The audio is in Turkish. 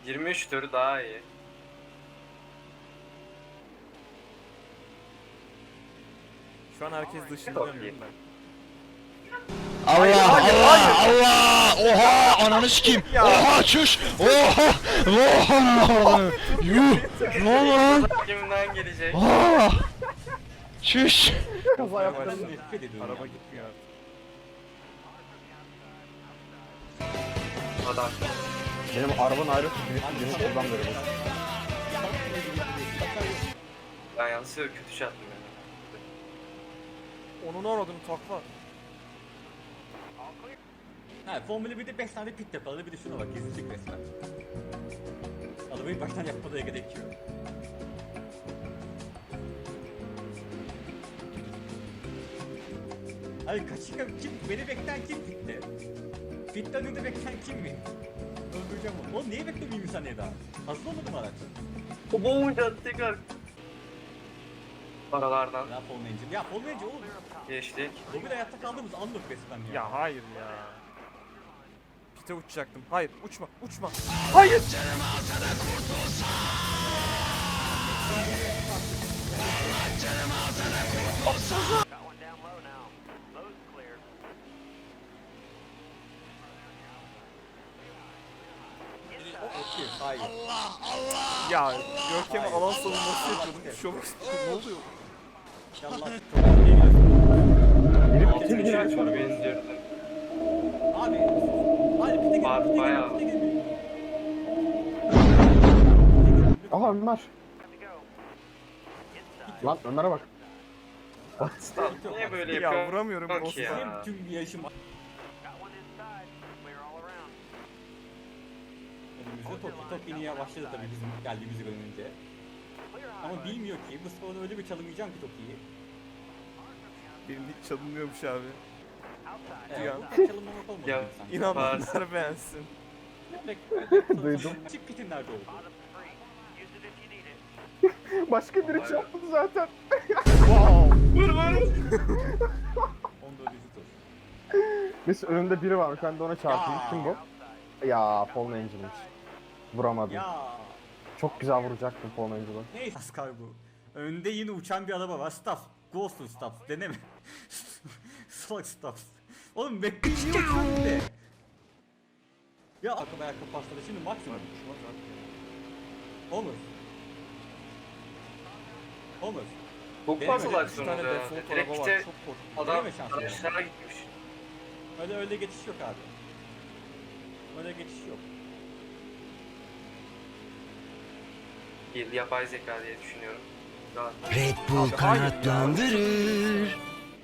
23 tur daha iyi. Şu an herkes dışında Çok dönüyorum iyi. ben. Allah Allah Allah! Oha! Ananı sikeyim! Oha çüş! Oha! Oha! Yuh! Ne oldu lan? Kimden gelecek? Oha! Çüş! Kaza yaptım. Nefret ediyorum Araba ya. gitmiyor artık. Adam. Benim arabanın ayrısı birisi buradan böyle. Ben yanlışlıkla kötü şey attım yani. Onun aradığını takla. Ha, Formula 1'de 5 tane pit yapıldı, bir de şuna bak, gezilecek resmen. Arabayı baştan yapmada gerek yok. Hayır, kaçırken kim, beni bekleyen kim pitte? Pitten önünde bekleyen kim mi? Öldüreceğim onu. Oğlum niye beklemeyeyim saniye daha? Hazır olmadı mı araç? O boğunca tekrar. Aralardan Ya Formula Engine. Ya Formula Engine oğlum. geçtik. O bir hayatta kaldığımız anlık resmen ya. Ya hayır ya. Pite uçacaktım. Hayır uçma uçma. Hayır. Ya Görkem'e alan savunması yapıyordum. Şok ne oluyor? İnşallah çok iyi geliyor. Altın içeri tur benziyorum. Abi. Hadi pite Var, gelin, bayağı. pite gelin. Aha Ömer. Lan Ömer'e bak. Niye böyle Ya yapıyor? vuramıyorum Bak boss'u. ya. Benim tüm yaşım... Önümüzde Toki inmeye başladı tabii bizim geldiğimizi görünce. Ama bilmiyor ki bu sporda öyle bir çalınmayacağım ki Toki'yi. Benim hiç çalınmıyormuş abi. Evet, Ya. bu çalınmamak olmadı Ya, sanki. İnananlar beğensin. Duydum. Çık pitin nerede oldu? Başka biri çarptı zaten. Wow. Vur vur. 14. tur. Neyse önünde biri varmış. Ben de ona çarptım. Ya. Kim bu? Ya Formula Engine'miş. Vuramadım. Ya Çok güzel vuracaktım Formula Engine'ı. neyse Ascar bu. Önde yine uçan bir araba var. Staff. Ghost Staff. Deneme. Salak Staff. Oğlum bekleyin niye uçuyor bir de? Ya arka ayakkabı pasladı şimdi maksimum. Onur. Onur. Bu Benim fazla öyle Bir tane aksiyonuz ya. default Direkt araba var. işte Çok korktum. adam Deneme şansı ya. araçlara gitmiş. Öyle geçiş yok abi. Öyle geçiş yok. Yapay zeka diye düşünüyorum. Şu an Red Bull Abi, hayır ya. kanatlandırır.